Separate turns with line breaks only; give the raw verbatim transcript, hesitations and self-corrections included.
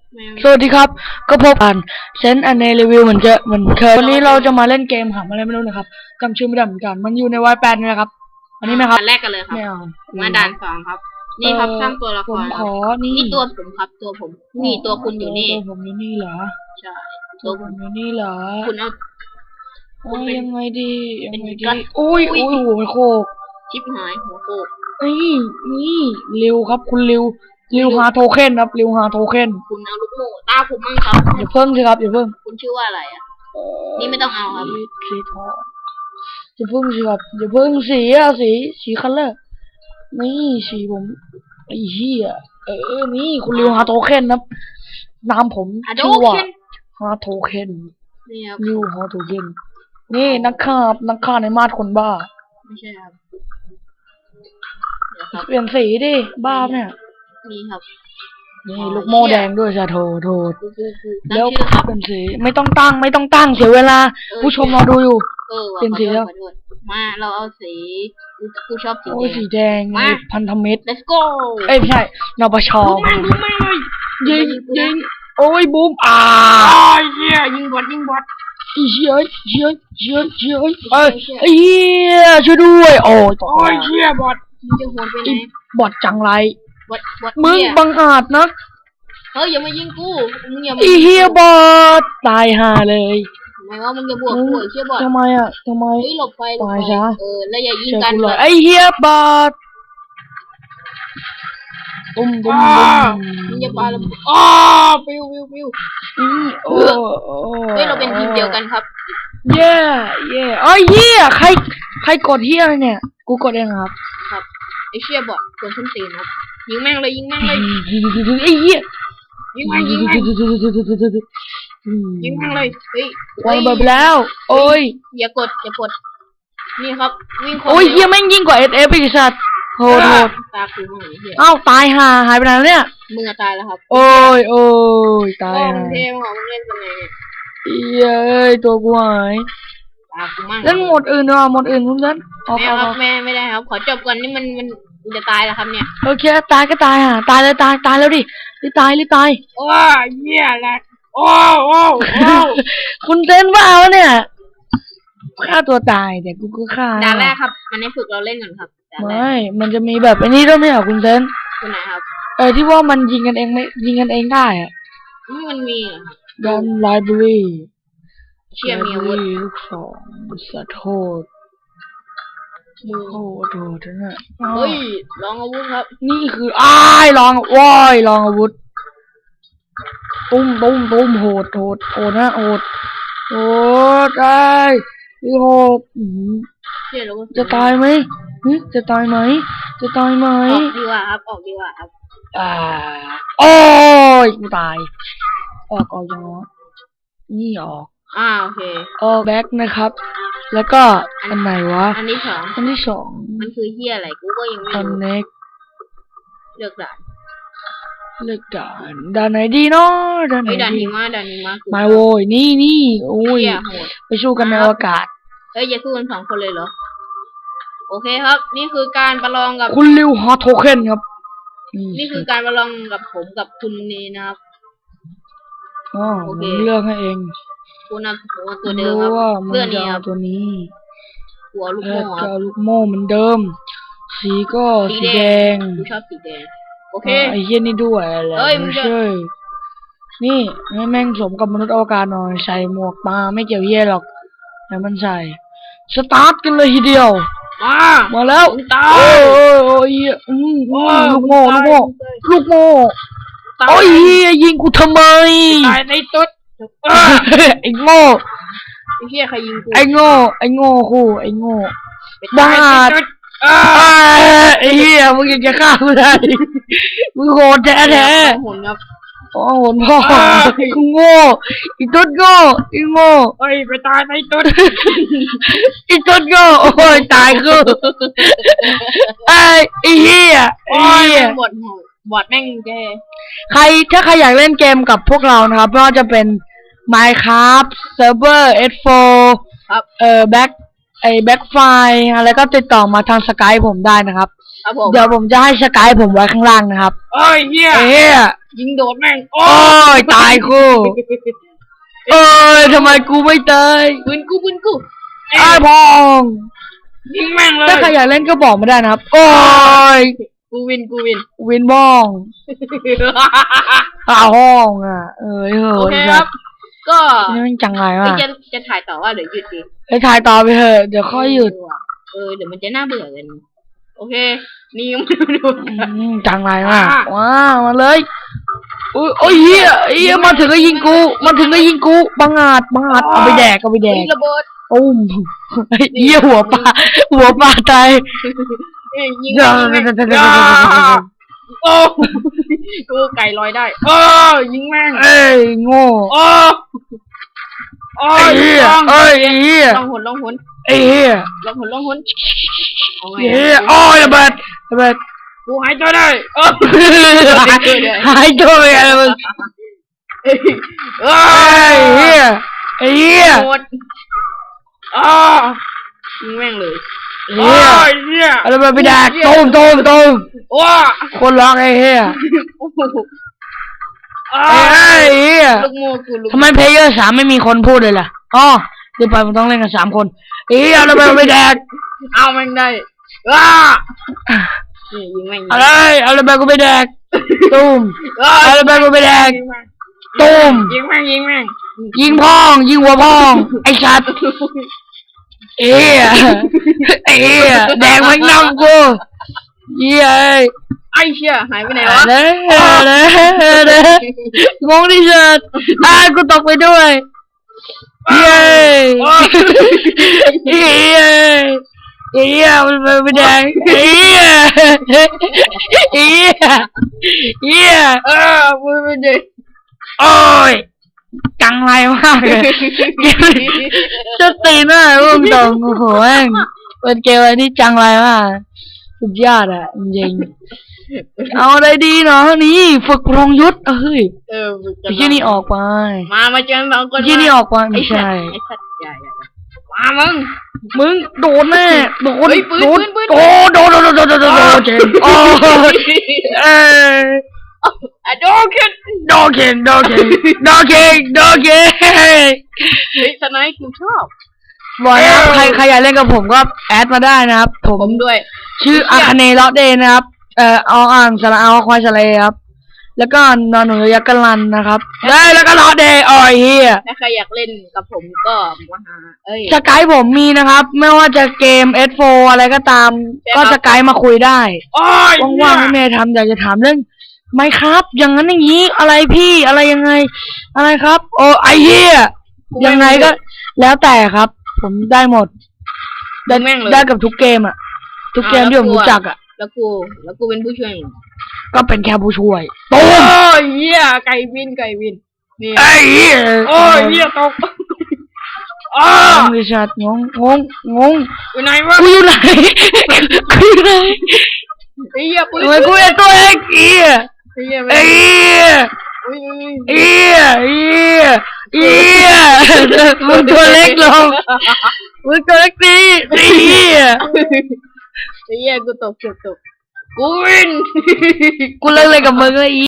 สวัสดีครับก็พบกันเซนอันในรีวิวเหมือนจะเหมือนเคยวันนี้เราจะมาเล่นเกมหาอะไรไม่รู้นะครับจำชื่อไม่ได้เหมือนกันมันอยู่ในวายแปดนี่แหละครับอันนี้ไหมครับ
ด่านแรกกันเลยครับ
ไม่เอา
มาด่านสองครับนี่ครับสร้างตัวละค
ผม
ร
ขอนี่
นี่ตัวผมครับตัวผมนี่ตัวคุณอยู่นี่
ตัวผมอยู่นี่เหรอ
ใช่
ตั
ตัว ว
ผ
ผม
มอยู่นี่เหรอ
คุณเอา
โอ้ยยังไงดียังไงดี
เป็น
อุ้ย
อุ๊
อุ้
ย
ยหัวโคก
ชิปหายหัวโขก
นี่นี่เร็วครับคุณเร็วเร็วหาโทเค็นครับเร็วหาโทเค็น
คุณเอาลูกโม่ตาผมมั่งครับ
อย่าเพิ่งสิครับอย่าเพิ่ง
คุณชื่อว่าอะไรอ่ะ นี่ไม่ต้องเอาครับ
สีทองอย่าเพิ่งสิครับอย่าเพิ่งสีอะสีสีคัลเลอร์นี่สีผมไอ้เหี้ยเออนี่คุณริวฮาโทเค็นครับนามผม
อะโด
ชื่อว่า
เคน
ฮาโทเค็น
นี่ครับ
ริวฮาโทเค็นนี่นักฆ่านักฆ่าในมาดคนบ้า
ไม่ใช่ครับเดี๋ยวครับ
เปลี่ยนสีดิบ้าเนี่ย
นี่ครับ
นี่ลูกโม่แดงด้วยจะโทโทษ
กูกูกูตั้ง
แล้ว
ชื่อครับ
เป็นสีไม่ต้องตั้งไม่ต้องตั้งเสียเวลา ผู้ชมรอดูอยู่
เออว่ะ
เป็นสีแล้ว
ขอโทษขอโทษมาเราเอาสีกูกูชอบสี
โอ้
แด
ย
ง
สีแดง
มา
พันธมิตร
let's go
เอ้ยไม่ใช่นปช
ยิงมันยิงมันเลย
ยิงยิงโอ้ยบูมอ่า
โอ้ยเหี้ยยิงบอดยิงบอด
อีเชี่ยเชี่ยเชี่ยเชี่ยเอ้ยไอ้เหี้ยช่วยด้วยโอ้ยตก
โอ้ยเหี้ยบอดมึงจะโหดไปไหน
บอดจังไร
บอดบอด
มึง
เหี้ย
บังอาจนะ
เฮ้ยอย่ามายิงกูมึงอย่ามา
ไอ้เหี้ยบอดตายห่าเลย
ทำไมว่ามึงจะบวกกูไอ้เหี้ยบอด
ทำไมอ่ะทำไม
เฮ้ยหลบไปหลบ
ตาย
ไป
ซะ
เออแล้วอย่ายิง
เชื่อ
กัน
กู
เล
เลย
ย
ไอ้เหี้ยบอดบุ้มบุ้มบุ้ม
มึงอย่าปาระเบิดอ้อปิวปิวปิว
อืมโอ้โอ้
เฮ้ยเราเป็นทีมเดียวกันครับ
เย่เย่ไอ้เหี้ยใครใครกดเหี้ยอะไรเนี่ยกูกดเองครับ
ครับไอ้เชี่ยบอดโดนส้นตีนครับยิงแม่งเลยยิงแม่งเลย
ไอ้เหี้ย
ยิงแม่งยิงแม่งยิงแม่งเลยเฮ้ยว
างระเบิดไปแล้ว โอ้ย
อย่ากดอย่ากดนี่ครับวิ่งคน
โอ้ย
ดีว
เหี้ยแม่งยิ่งกว่าเอสเอฟอีกสัตว์โหดโหด
ตาคูมั่งไอ้เหี้ย
อ้าวตายห่าหายไปไหนแล้วเนี่ย
มึงอะตายแล้วครับ
โอ้ยโอ้ยตาย
โอ้
ห่า
มึงเท่มึงออกมึงเล่นเป็นไงเนี่ย
เหี้ยเอ้ยตัวกูหาย
ตาคูมั่ง
เล่นหมดอื่นดีกว่าหมดอื่นคุณเล่นออก
ไม่
อ
เอา
อก
ครับแม่ไม่ได้ครับ ขอจบก่อนนี่มันมันมันจะตายแล้วครับเนี่ย
โอเคตายก็ตายห่าตายเลยตายตายแล้วดิรีบตายรีบตาย
โอ้ยเหี้ยแหละโอ้โอ้โอ้
คุณเต้นบ้าวะเนี่ยฆ่าตัวตายแต่กูก็ฆ่า
ด่านแรกครับ มันให้ฝึกเราเล่นก่อนครับด่านแร
ไม่
ก
มันจะมีแบบไอ้นี่ด้วยไหมอ่ะคุณเต้น
ตัวไหนครับ
เออที่ว่ามันยิงกันเองไม่ยิงกันเองได้อะ
อืมมันมีเหรอครับ
ดันไลบรารี
เชี่ยมีอาวุธ
ลูกสองสะโทษ
มือ
โอ้โหโทษนะ
เฮ้ยลองอาวุธครับ
นี่คืออ้ายลองว้ายลองอาวุธตุ้มตุ้มตุ้มโหดโหดโหดนะโหดโหดได้นี่โหดอื้อหือ
เชี่ยแล้วก็
จะตายไหมหึจะตายไหมจะตายไหม
ออกดีกว่าครับออกดีกว่าครับ
อ่าโอ้ยกูตายออกออกยังวะนี่ออก
อ่าโอเค
ออกแบ็คนะครับ แล้วก็อันไหนวะ
อันที่สอง
อันที่สอง
มันคือเฮียอะไรกูก็ยังไม่
คอน
รู้
เน็ก
เลือกด่าน
เลือกด่านด่านไหนดีเนาะด่านไหน
เฮ้ยด่าน
ดี
หิมะด่านหิมะคือ
มาโวยนี่นี่โอ้ย
เฮียโหด
ไปสู้กันในอวกาศ
เฮ้ยอย่าสู้กันสองคนเลยเหรอโอเคครับ นี่คือการประลองกับ
คุณริวฮอตโทเค็นครับ
นี่คือการประลองกับผมกับคุณนี่นะครับ
อ๋อ
โอ
ผ
เค
มเลือกให้เอง
คุณเอาผมเอา
ผ
ตัว
ม
เดิม
รู้
ครับ
ว่ามัน
เสื้อ
จะ
นี้ค
เอา
รับ
ตัวนี้
หัวลูก
เอ
โม่
อ
ค
จะ
รับ
เอาลูกโม่เหมือนเดิม สีก็
สี
สี
แด
แด
ง
ง
กูชอบสีแดงโอเค
อ่าไอ้เหี้ยนี่ด้วยแหละ
เฮ้ยมึง
ไม่
จะ
ใช่นี่ให้แม่งสมกับมนุษย์อวกาศหน่อยใส่หมวกมาไม่เกี่ยวเหี้ยหรอกแต่มันใส่สตาร์ทกันเลยทีเดียว
มา
มาแล้ว
มึงตา
โอ้
ย
ยโอ้ยโอ้ยอืมอืมลูกโม่ลูกโม่ลูกโม่
ตาย
โอ้ยเหี้ยยิงกูทำไม
ตายในตุ๊ด
ไอ้โง่
ไอ้เหี้ยใครยิงกู
ไอ้โง่ไอ้โง่คู่ไอ้โง่
ไปตายใน
บ้า
ตุ๊ด
อ้าไอ้เหี้ยมึงยังจะฆ่ากูได้มึงโหดแท้แท้
หุ่นครับ
โอ้โหพ่อกูโง่อีตุ๊ดโง่อีโง่
เฮ้ยไปตายในตุ๊ด
อีตุ๊ดโง่โอ้ยตายกูไอ้ไอ้เหี้ยไอ้
โอ้ย
เหี้ย
แม่งบอดหูบอดแม่งแก
ใครถ้าใครอยากเล่นเกมกับพวกเรานะครับไม่ว่าจะเป็น Minecraft Server เอส โฟร์
ครับ
เอ่อ Back ไอ้ Backfire อะไรก็ติดต่อมาทางสกายผมได้นะครับ
ครับผม
เดี๋ยวผมจะให้สกายผมไว้ข้างล่างนะครับ
โอ้ยเหี้ย
เอ้ย
ยิงโดดแม่งโอ้
โอ้ยตายกูเอ้ยทำไมกูไม่ตาย
ปืนกูปืนกู
ไอ้พอง
ยิงแม่งเลย
ถ้าใครอยากเล่นก็บอกมาได้นะครับโอ้ย
กูวินกูวิน
วินบ้องข้าห้องอ่ะเอ้ยเฮ้
โอย เคครับ ก็
นี่มันจังไร
เอ้
วะ
ยจะจะถ่ายต่อว่าเดี๋ยวหยุดดิ
ไปถ่ายต่อไปเถอะเดี๋ยวค่อยหยุด
เออเดี๋ยวมันจะน่าเบื่อกันโอเค นี่ยังไม่ดู
อืมจังไรมากว้าวมาเลยอุ้ยโอ้ยเฮียเฮียมาถึงก็ยิงกูมาถึงก็ยิงกูบังอาจบังอาจเอาไปแดกเอาไปแด
เฮ้
ก
ยระเบิด
อุ้มเฮียหัวปลาหัวปลาตาย
เอ้ยยิง
เดี๋ยว
แม่ง
เดี๋ยวเดี๋ยว
ยิง
เดี๋
แม่
ยว
ง
เดี๋ยวเดี๋ยว
โอ้กูไก่ลอยได้โอ้ยิงแม่ง
เอ้ยโง่
โอ้โอ้
ไอ้
ย
เฮียเอ้ยไอ้เฮีย
ลองหนลองหน
ไอ้เฮีย
ลองหนลองหนเอาไง
เฮียโอ้ยระเบิดระเบิด
กูหายตัวได้เออ
หายตัวไปอะไรมึง
เอ้ยเอ้
ไอ้
ย
เฮียไอ้เฮีย
หมดอ้ายิงแม่งเลย
เฮีย
เฮีย
อะไรมาไปแดกตูมตูมตูม
ว้า
คนร้องไอ้เฮีย
โอ้โหอ้า
ไอ้เฮีย
ลูกโม่กูลูก
ทำไมเพลเยอร์สามไม่มีคนพูดเลยล่ะอ๋อเดี๋ยวไปมันต้องเล่นกันสามคนเฮียอะไรมาไปแดก
เอาแม่งได้ว้านี่ยิงแม่ง
อะไรอะไรมากูไปแดกตูม
เอ้ย
อะไรมากูไปแดก
ยิงแม่ง
ตูม
ยิงแม่งยิงแม่ง
ยิงพ่องยิงหัวพ่องไอ้ชัดเฮียไอ้เฮียแดกมันนำกูเฮีย
ไอ้เชี่ยหายไปไหนวะ
เด้อเด้อเด้องงที่สุดอ่ากูตกไปด้วยเย้เย้เย้มันไม่แดงเย้เย้เย้
เออมือไม่ดี
โอ้ยจังไรมากเลยจะตีหน้าอุ้มตรงโอ้โหแม่งเป็นเกมอะไรที่จังไรมากสุดยอดอ่ะจริงเอาอะไรดีเนาะนี่ฝึกพรองยุทธเอ้ย
เออ
ไอ้ที่นี่ออกไป
มามาเจอสองคน
ไอ้ที่นี่ออกไป
ไอ้
ไม่
สัต
ใช่
ว์ไอ้สัตว์ใหญ่มามึง
มึงโดนแน่โดน
เฮ้ยปืน
โดน
ปืนปืน
โอ้โดนโดนโดนโดนโดนโดนโดนเจนโอ้ยเอ้ย
อะโดนขึ้น
โดนเก่งโดนเก่งโดนเก่งโดนเก่ง
เฮ้ยสไนค์กูชอบ
บอกนะครับใครใครอยากเล่นกับผมก็แอดมาได้นะครับผม
ผมด้วย
ชื่ออาคาเนเลาะเดย์นะครับเอ่อเอาอ่างสระเอาควายสะเลครับแล้วก็นอนหนูยักษ์กะลันนะครับได้แล้วก็เลาะเดย์อ๋อยเฮีย
ถ้าใครอยากเล่นกับผมก็มาหาเอ้ย
สกายผมมีนะครับ ไม่ว่าจะเกม เอส โฟร์ อะไรก็ตาม
ใช่ครับ
ก็สกายมาคุยได้
โอ้ย
ว่างๆไม่มีอะไรทำอยากจะถามเรื่องไหมครับ อย่างนั้นอย่างนี้อะไรพี่อะไรยังไง อะไรครับ โอ้ไอเฮียยังไงก็ แล้วแต่ครับ ผมได้หมด ได้
แม่งเลย
ได้กับทุกเกมอ่ะ ทุกเกมที่ผมรู้จักอ่ะ
แล้วกูแล้วกูเป็นผู้ช่วย
ก็เป็นแค่ผู้ช่วย
โอ้
ตูม
ยเหี้ยไก่วินไก่วินนี่
ไอ้เหี้ย
โอ้ยเหี้ยตกอ้าง
งดิฉันงงงงงง
อยู่ไหนวะ
กูอยู่ไหนกูอยู่ไหน
ไอ้เหี้ยปืน
ทำไมกูเป็นตัวเองเหี้ย
ไอ้เหี้ย
ไอ้เหี้ย
อุ้ยอุ้ย
เหี้ยเหี้ยเหี้ยมึงตัวเล็กลงมึงตัวเล็กดีเหี้ย
ไอ้เหี้ยกูตกเกือบตกกูวิน
กูเลิกเลยกับมึงเลยอี